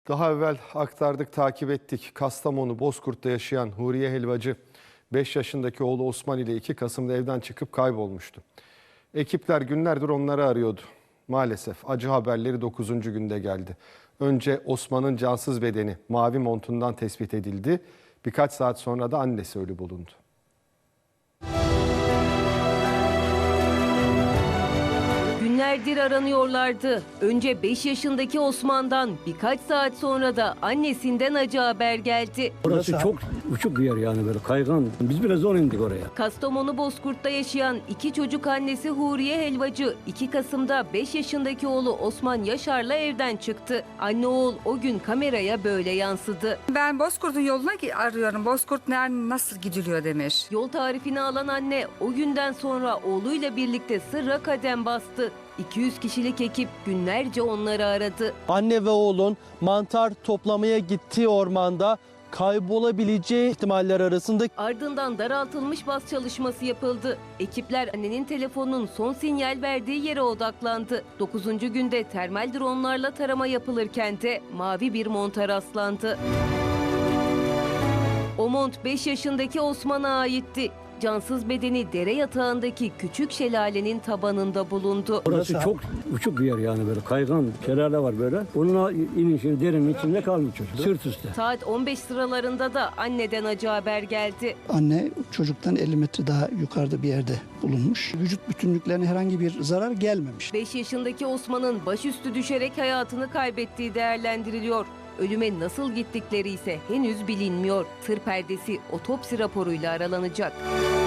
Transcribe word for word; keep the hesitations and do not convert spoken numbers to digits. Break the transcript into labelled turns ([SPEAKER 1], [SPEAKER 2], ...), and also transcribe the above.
[SPEAKER 1] Daha evvel aktardık, takip ettik. Kastamonu Bozkurt'ta yaşayan Huriye Helvacı, beş yaşındaki oğlu Osman ile iki Kasım'da evden çıkıp kaybolmuştu. Ekipler günlerdir onları arıyordu. Maalesef acı haberleri dokuzuncu günde geldi. Önce Osman'ın cansız bedeni mavi montundan tespit edildi. Birkaç saat sonra da annesi ölü bulundu.
[SPEAKER 2] Günlerdir aranıyorlardı. Önce beş yaşındaki Osman'dan, birkaç saat sonra da annesinden acı haber geldi.
[SPEAKER 3] Burası çok uçuk bir yer, yani böyle kaygan. Biz biraz zor indik oraya.
[SPEAKER 2] Kastamonu Bozkurt'ta yaşayan iki çocuk annesi Huriye Helvacı, iki Kasım'da beş yaşındaki oğlu Osman Yaşar'la evden çıktı. Anne oğul o gün kameraya böyle yansıdı.
[SPEAKER 4] Ben Bozkurt'un yoluna arıyorum. Bozkurt nerede, nasıl gidiliyor demiş.
[SPEAKER 2] Yol tarifini alan anne o günden sonra oğluyla birlikte sırra kadem bastı. iki yüz kişilik ekip günlerce onları aradı.
[SPEAKER 5] Anne ve oğlun mantar toplamaya gittiği ormanda kaybolabileceği ihtimaller arasında.
[SPEAKER 2] Ardından daraltılmış baz çalışması yapıldı. Ekipler annenin telefonunun son sinyal verdiği yere odaklandı. dokuzuncu günde termal dronlarla tarama yapılırken de mavi bir monta rastlandı. O mont beş yaşındaki Osman'a aitti. Cansız bedeni dere yatağındaki küçük şelalenin tabanında bulundu.
[SPEAKER 3] Burası çok uçuk bir yer, yani böyle kaygan şelale var böyle. Onun inişin derinin içinde kalmış çocuk. Sırt üstte.
[SPEAKER 2] Saat on beş sıralarında da anneden acı haber geldi.
[SPEAKER 6] Anne çocuktan elli metre daha yukarıda bir yerde bulunmuş. Vücut bütünlüklerine herhangi bir zarar gelmemiş.
[SPEAKER 2] beş yaşındaki Osman'ın başüstü düşerek hayatını kaybettiği değerlendiriliyor. Ölüme nasıl gittikleri ise henüz bilinmiyor. Sır perdesi otopsi raporuyla aralanacak.